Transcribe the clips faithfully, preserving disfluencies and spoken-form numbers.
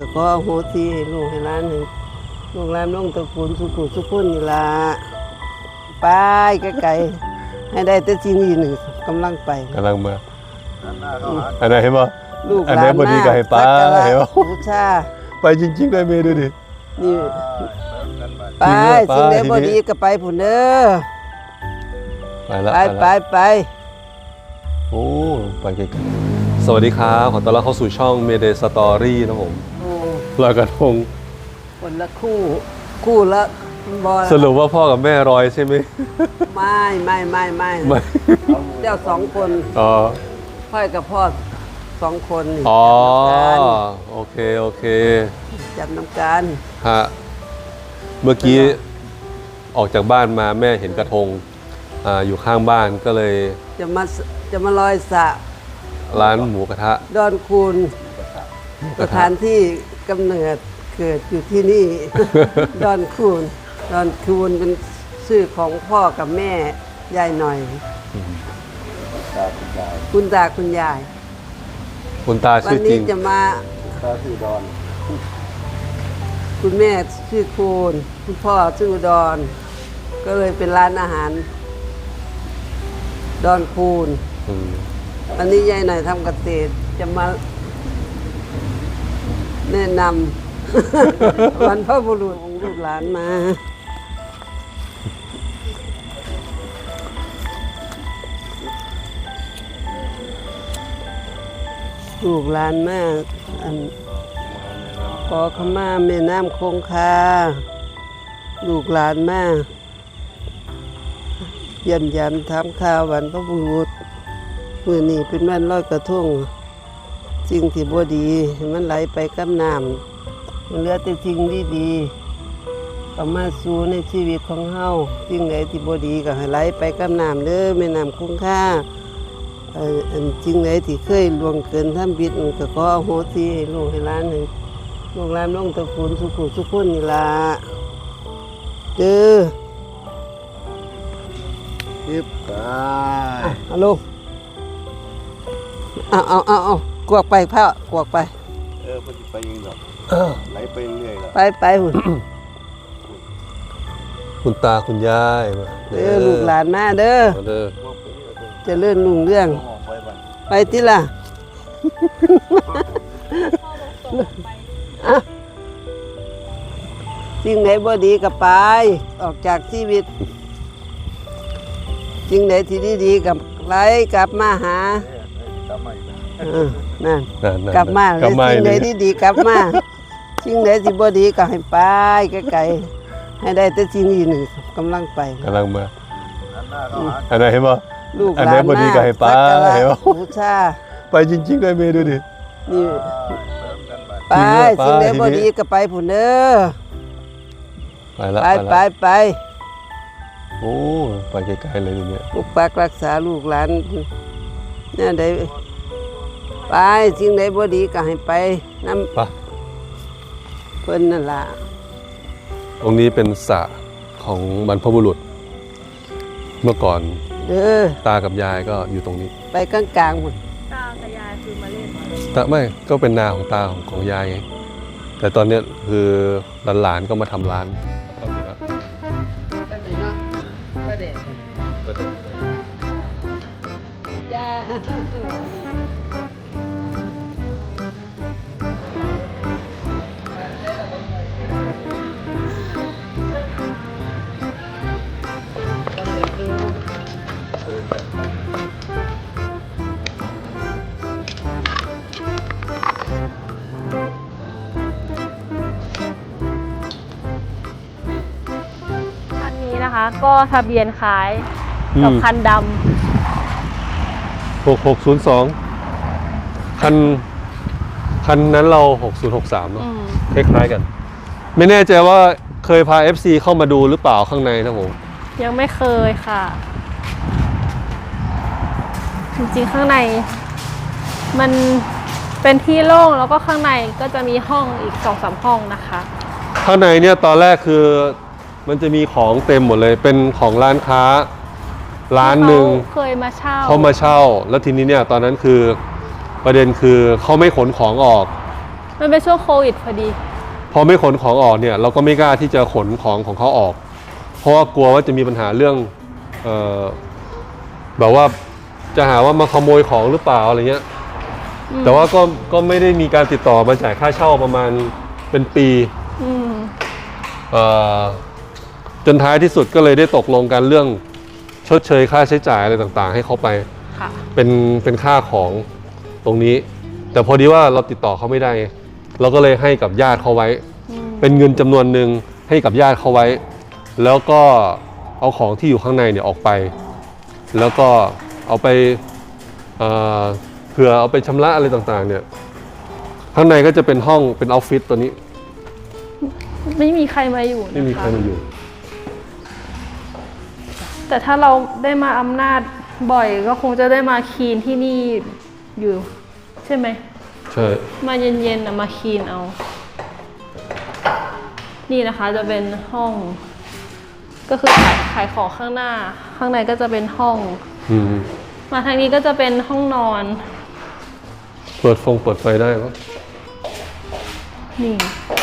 ขอโหสิให้ลูกให้หลานให้ลูกหลานน้องตระกูลสุขุสุขคนนี่ล่ะไปไกลๆให้ได้แต่สิ่งนี้หนึ่งกำลังไปกำลังมาอันไหนเห็นป่ะลูกหลานอันไหนพอดีก็ให้ป้าเห็นป่ะบูชาไปจริงๆได้เมย์ดูดินี่ไปสิ่งใดบ่ดีก็ไปผุนเด้อไปแล้วไปไปไปโอ้ไปไกลๆสวัสดีครับขอต้อนรับเข้าสู่ช่อง Mayday Story นะผมลอยกระทงคนละคู่คู่ละบอลสรุปว่าพ่อกับแม่รอยใช่ไหมไม่ไม่ไม่ไม่เจ้าสองคนอ๋อพ่อกับพ่อสองคนอ๋อโอเคโอเคจับน้ำกันฮะเมื่อกี้ออกจากบ้านมาแม่เห็นกระทงอ่าอยู่ข้างบ้านก็เลยจะมาจะมาลอยสระร้านหมูกระทะดอนคูนสถานที่กำเนิดเกิดอยู่ที่นี่ ดอนคูนดอนคูนเป็นชื่อของพ่อกับแม่ยายหน่อยคุณตาคุณยายคุณตาชื่อจริงวันนี้จะมาตาชื่อดอนคุณแม่ชื่อคูนคุณพ่อชื่อดอนก็เลยเป็นร้านอาหารดอนคูนวันนี้ยายหน่อยทำเกษตรจะมาแนะนำ วันพ่อบุรุษของลูกหลานมาลูกหลานมากอันขอขมาแม่น้ำคงคาลูกหลานมากเยี่ยมยามทำข่าววันพระบุรุษมื้อนี้เป็นวันลอยกระทงสิ่งที่บ่ดีมันไหลไปกับน้ำมันเหลือแต่สิ่งดีๆเข้ามาสู่ในชีวิตของเฮาสิ่งใดที่บ่ดีก็ให้ไหลไปกับน้ำเด้อแม่น้ำคงคาอันสิ่งใดที่เคยล่วงเกินทำผิดก็ขออโหสิให้ลูกให้หลานให้ลูกหลานน้องตระกูลสุขุสุขคนนี่ล่ะเด้อยึบไปเอาลูกเอาเอาเอาเอากวกไปพ่อกวกไปเออพอดีไปยังดอกไหลไปเรื่อยแล้วไปไปหุ่นคุณตาคุณยายมาเด้อลูกหลานมาเด้อเด้อจะเลื่อนลุงเรื่องไปที่ล่ะสิ่งไหนบ่ดีก็ไปออกจากชีวิตสิ่งไหนที่ดีๆกับไหลกลับมาหานั่นกลับมาสิ่งไหนที่ดีกลับมาสิ่งไหนที่บ่ดีก็ให้ไปไกลๆให้ได้แต่สิ่งนี้หนึ่งกำลังไปกำลังมาอันไหนเห็นป่ะลูกหลานพอดีก็ให้ป้าเห็นป่ะบูชาไปจริงๆได้เมย์ดูดินี่ไปสิ่งไหนบ่ดีก็ไปผุนเด้อไปแล้วไปไปไปโอ้ไปไกลๆเลยทีเนี้ยปกปักรักษาลูกหลานเนี่ยได้ไปสิ่งใดบ่ดีก็ให้ไปน้ำเพิ่นนั่นล่ะตรงนี้เป็นสระของบรรพบุรุษเมื่อก่อนเด้อตากับยายก็อยู่ตรงนี้ไปกลางๆหมดตากับยายคือมาเล่นแต่ไม่ก็เป็นนาของตาของของยายไงแต่ตอนนี้คือหลานๆก็มาทำร้านนะคะก็ทะเบียนคล้ายกับคันดำหกหกศูนย์สองคันคันนั้นเราหกศูนย์หกสามเนาะคล้ายๆกันไม่แน่ใจว่าเคยพา เอฟ ซี เข้ามาดูหรือเปล่าข้างในนะผมยังไม่เคยค่ะจริงๆข้างในมันเป็นที่โล่งแล้วก็ข้างในก็จะมีห้องอีกสองสามห้องนะคะข้างในเนี่ยตอนแรกคือมันจะมีของเต็มหมดเลยเป็นของร้านค้าร้านหนึ่งเคยมาเช่าเขามาเช่าแล้วทีนี้เนี่ยตอนนั้นคือประเด็นคือเขาไม่ขนของออกมันเป็นช่วงโควิดพอดีพอไม่ขนของออกเนี่ยเราก็ไม่กล้าที่จะขนของของเขาออก เพราะว่ากลัวว่าจะมีปัญหาเรื่องเอ่อแบบว่าจะหาว่ามาขโมยของหรือเปล่าอะไรเงี้ยแต่ว่าก็ก็ไม่ได้มีการติดต่อมาจ่ายค่าเช่าประมาณเป็นปีเอ่อจนท้ายที่สุดก็เลยได้ตกลงกันเรื่องชดเชยค่าใช้จ่ายอะไรต่างๆ ให้เขาไปเป็นเป็นค่าของตรงนี้ แต่พอดีว่าเราติดต่อเขาไม่ได้เราก็เลยให้กับญาติเขาไว้เป็นเงินจำนวนหนึ่งให้กับญาติเขาไว้แล้วก็เอาของที่อยู่ข้างในเนี่ยออกไปแล้วก็เอาไปเอ่อเผื่อเอาไปชำระอะไรต่างๆเนี่ยข้างในก็จะเป็นห้องเป็นออฟฟิศตัวนี้ไม่มีใครมาอยู่นะคะไม่มีใครมาอยู่แต่ถ้าเราได้มาอำนาจบ่อยก็คงจะได้มาคีนที่นี่อยู่ใช่ไหมใช่มาเย็นๆนะมาคีนเอา นี่นะคะจะเป็นห้อง ก็คือขายขายของข้างหน้า ข้างในก็จะเป็นห้องอืมมาทางนี้ก็จะเป็นห้องนอนเปิดฟงเปิดไฟได้ปะนี่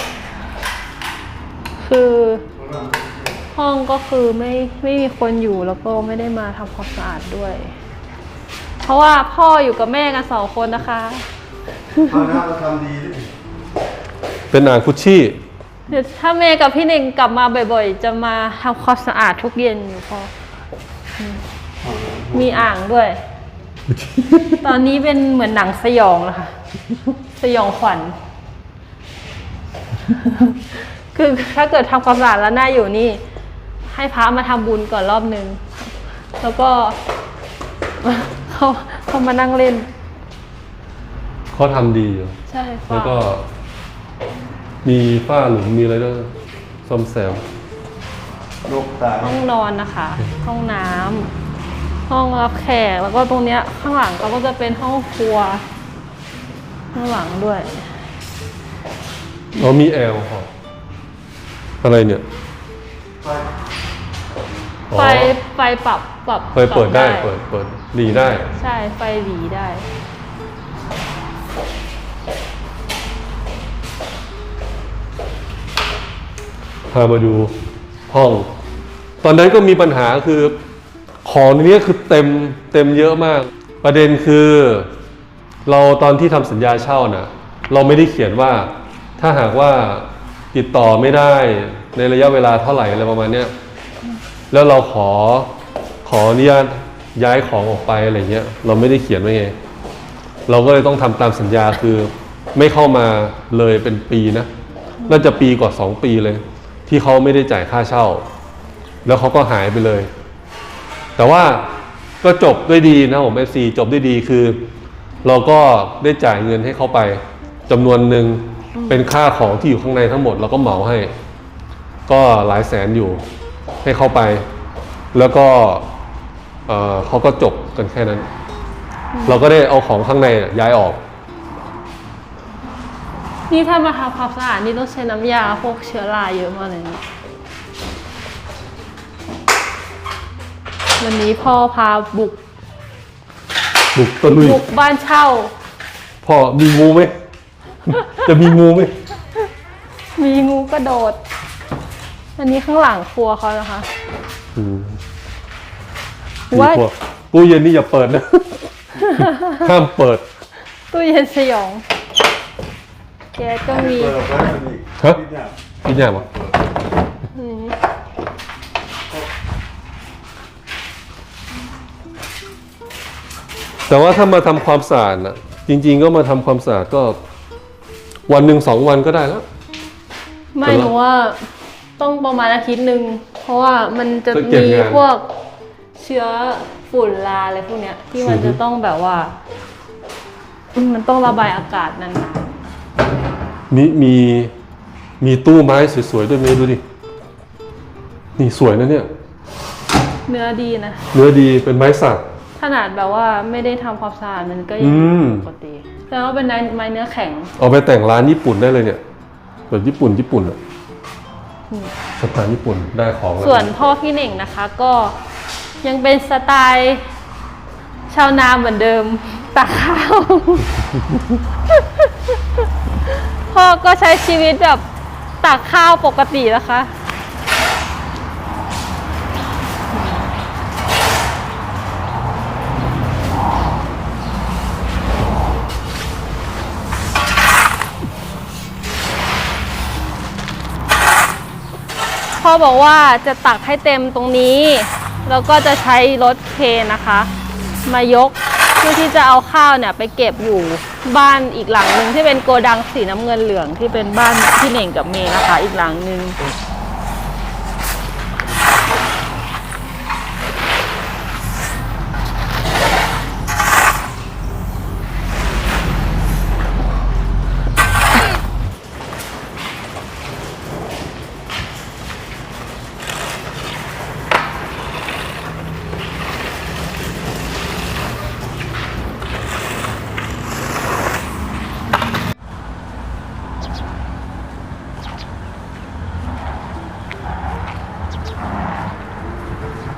คือห้องก็คือไม่ไม่มีคนอยู่แล้วก็ไม่ได้มาทำความสะอาดด้วย เพราะว่าพ่ออยู่กับแม่กันสองคนนะคะข้าวหน้าเราทำดีด้วยเป็นอ่างคุชชี่เดี๋ยวถ้าเมย์กับพี่เน่งกลับมาบ่อยๆ จะมาทำความสะอาดทุกเย็นอยู่พอมีอ่างด้วย ตอนนี้เป็นเหมือนหนังสยองแล้วค่ะ สยองขวัญ คือถ้าเกิดทำความสะอาดแล้วน่าอยู่นี่ ให้พระมาทำบุญก่อนรอบนึง แล้วก็เขาเขามานั่งเล่นเขาทำดีอยู่ใช่ค่ะแล้วก็มีฝ้าหลุมมีอะไรด้วยซ่อมแซมนกตายห้องนอนนะคะ ห้องน้ำห้องรับแขกแล้วก็ตรงเนี้ยข้างหลังก็จะเป็นห้องครัว ข้างหลังด้วยเรามีแอลค่ะอะไรเนี่ยไฟไฟปรับปรับไฟเปิดได้เปิดเปิดหลีได้ใช่ไฟหลีได้พามาดูห้อง ตอนนั้นก็มีปัญหาคือของในนี้คือเต็มเต็มเยอะมาก ประเด็นคือเราตอนที่ทำสัญญาเช่าน่ะเราไม่ได้เขียนว่าถ้าหากว่าติดต่อไม่ได้ในระยะเวลาเท่าไหร่อะไรประมาณเนี้ยแล้วเราขอขออนุญาตย้ายของออกไปอะไรเงี้ยเราไม่ได้เขียนไว้ไงเราก็เลยต้องทำตามสัญญาคือไม่เข้ามาเลยเป็นปีนะน่าจะปีกว่าสองปีเลยที่เขาไม่ได้จ่ายค่าเช่าแล้วเขาก็หายไปเลยแต่ว่าก็จบด้วยดีนะผม เอฟ ซี จบด้วยดีคือเราก็ได้จ่ายเงินให้เขาไปจำนวนหนึ่งเป็นค่าของที่อยู่ข้างในทั้งหมดเราก็เหมาให้ก็หลายแสนอยู่ให้เขาไปแล้วก็เอ่อเขาก็จบกันแค่นั้นเราก็ได้เอาของข้างในย้ายออกนี่ถ้ามาทำความสะอาดนี่ต้องใช้น้ำยาพวกเชื้อราเยอะมากเลยนะวันนี้พ่อพาบุกบุกตะลุยบุกบ้านเช่าพ่อมีงูไหม จะมีงูไหมมีงูกระโดด อันนี้ข้างหลังครัวเขานะคะอืมว่าพวกตู้เย็นนี่อย่าเปิดนะ ห้ามเปิดตู้เย็นสยองแกสก็มีเปิดไว้เป็นอีกฮะที่เนี่ยพี่แย่ปะอืมแต่ว่าถ้ามาทำความสะอาดนะจริงๆก็มาทำความสะอาดก็วันหนึ่งสองวันก็ได้แล้วไม่หนูว่าต้องประมาณอาทิตย์หนึ่งเพราะว่ามันจะจะเก็บมีงานพวกเชื้อฝุ่นลาอะไรพวกเนี้ย ที่มันอือฮึจะต้องแบบว่า มันต้องระบายอากาศนานมีมีมีตู้ไม้สวยๆด้วยเมย์ดูดิ นี่สวยนะเนี่ยๆเนื้อดีนะเนื้อดีเป็นไม้สักขนาดแบบว่าไม่ได้ทำความสะอาดมันก็อืยังมปกติแต่ว่าเป็นไม้เนื้อแข็งเอาไปแต่งร้านญี่ปุ่นได้เลยเนี่ยแบบญี่ปุ่นญี่ปุ่นอะสไตล์ญี่ปุ่นได้ของแล้วส่วนพ่อพี่เน่งนะคะก็ยังเป็นสไตล์ชาวนาเหมือนเดิมตักข้าวพ่อก็ใช้ชีวิตแบบตักข้าวปกตินะคะ พ่อบอกว่าจะตักให้เต็มตรงนี้ แล้วก็จะใช้รถเครนนะคะ มายกเพื่อที่จะเอาข้าวเนี่ยไปเก็บอยู่บ้านอีกหลังหนึ่งที่เป็นโกดังสีน้ำเงินเหลืองที่เป็นบ้านพี่เหน่งกับเมย์นะคะ อีกหลังหนึ่ง